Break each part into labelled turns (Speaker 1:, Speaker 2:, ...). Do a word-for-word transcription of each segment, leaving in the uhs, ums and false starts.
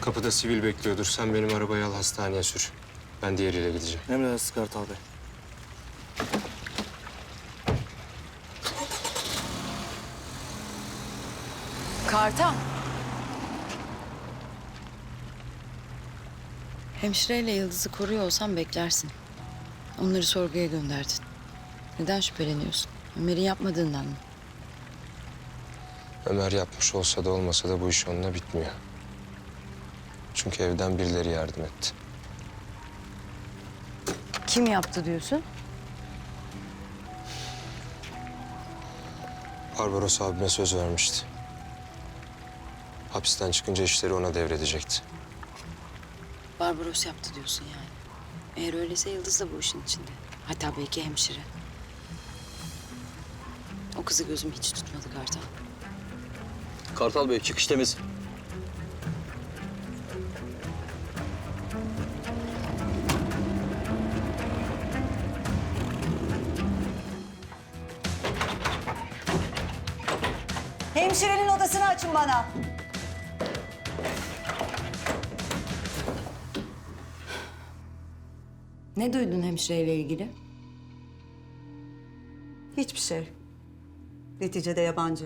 Speaker 1: Kapıda sivil bekliyordur. Sen benim arabayı al, hastaneye sür. Ben diğeriyle gideceğim.
Speaker 2: Emredersiniz Kartal Bey.
Speaker 3: Kartal. Hemşireyle Yıldız'ı koruyor olsan beklersin. Onları sorguya gönderdin. Neden şüpheleniyorsun? Ömer'in yapmadığından mı?
Speaker 1: Ömer yapmış olsa da olmasa da bu iş onunla bitmiyor. Çünkü evden birileri yardım etti.
Speaker 3: Kim yaptı diyorsun?
Speaker 1: Barbaros abime söz vermişti. Hapisten çıkınca işleri ona devredecekti.
Speaker 3: Barbaros yaptı diyorsun yani. Eğer öyleyse Yıldız da bu işin içinde. Hatta belki hemşire. O kızı gözüm hiç tutmadı Kartal.
Speaker 4: Kartal Bey çıkış temiz.
Speaker 5: Hemşirenin odasını açın bana.
Speaker 3: Ne duydun hemşireyle ilgili?
Speaker 5: Hiçbir şey. Neticede yabancı.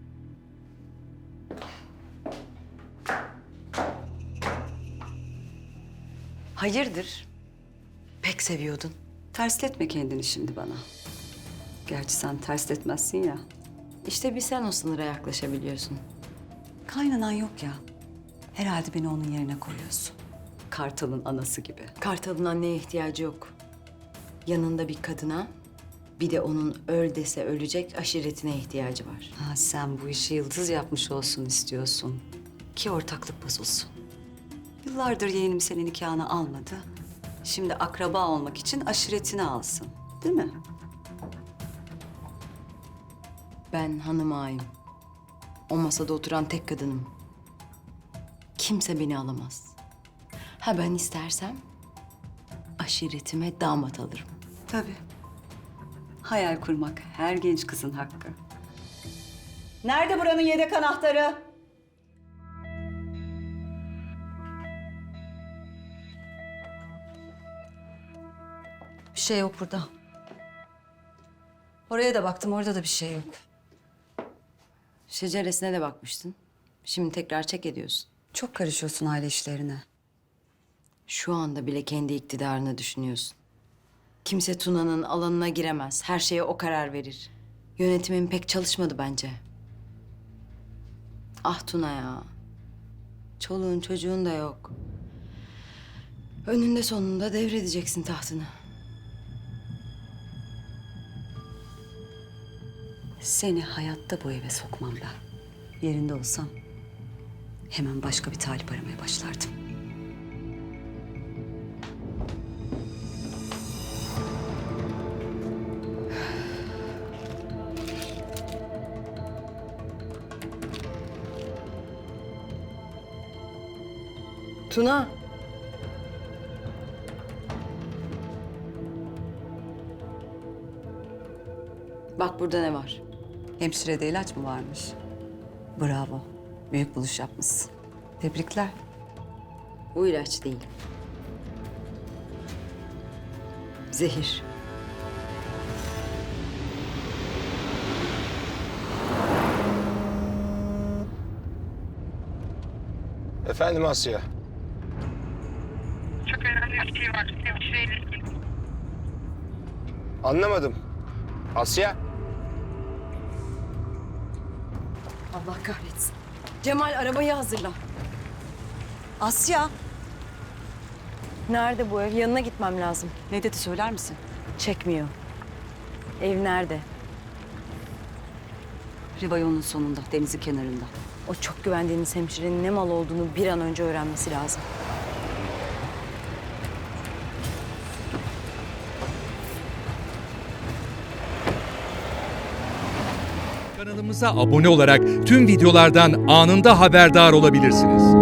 Speaker 3: Hayırdır? Pek seviyordun.
Speaker 5: Tersletme kendini şimdi bana. Gerçi sen tersletmezsin ya.
Speaker 3: İşte bir sen o sınıra yaklaşabiliyorsun.
Speaker 5: Kaynanan yok ya. Herhalde beni onun yerine koyuyorsun. Kartal'ın anası gibi.
Speaker 3: Kartal'ın anneye ihtiyacı yok. Yanında bir kadına, bir de onun öl dese ölecek aşiretine ihtiyacı var.
Speaker 5: Ha, sen bu işi Yıldız yapmış olsun istiyorsun. Ki ortaklık bozulsun. Yıllardır yeğenim senin nikahını almadı. Şimdi akraba olmak için aşiretini alsın. Değil mi?
Speaker 3: Ben hanım ağayım. O masada oturan tek kadınım. Kimse beni alamaz. Ha ben istersem aşiretime damat alırım.
Speaker 5: Tabii. Hayal kurmak her genç kızın hakkı. Nerede buranın yedek anahtarı? Bir şey yok burada. Oraya da baktım, orada da bir şey yok.
Speaker 3: Şeceresine de bakmıştın. Şimdi tekrar çek ediyorsun.
Speaker 5: Çok karışıyorsun aile işlerine.
Speaker 3: Şu anda bile kendi iktidarını düşünüyorsun. Kimse Tuna'nın alanına giremez. Her şeye o karar verir. Yönetimin pek çalışmadı bence. Ah Tuna ya. Çoluğun çocuğun da yok. Önünde sonunda devredeceksin tahtını.
Speaker 5: Seni hayatta bu eve sokmam ben. Yerinde olsam hemen başka bir talip aramaya başlardım.
Speaker 3: Tuna. Bak burada ne var?
Speaker 5: Hemşirede ilaç mı varmış? Bravo. Büyük buluş yapmışsın. Tebrikler.
Speaker 3: Bu ilaç değil. Zehir.
Speaker 1: Efendim Asya.
Speaker 6: Çok önemli bir şey var. Hemşireyle ilgili.
Speaker 1: Anlamadım. Asya.
Speaker 3: Allah kahretsin. Cemal arabayı hazırla.
Speaker 5: Asya.
Speaker 3: Nerede bu ev? Yanına gitmem lazım.
Speaker 5: Ne dedi söyler misin?
Speaker 3: Çekmiyor. Ev nerede?
Speaker 5: Rivayonun sonunda, denizin kenarında.
Speaker 3: O çok güvendiğiniz hemşirenin ne mal olduğunu bir an önce öğrenmesi lazım.
Speaker 7: Kanalımıza abone olarak tüm videolardan anında haberdar olabilirsiniz.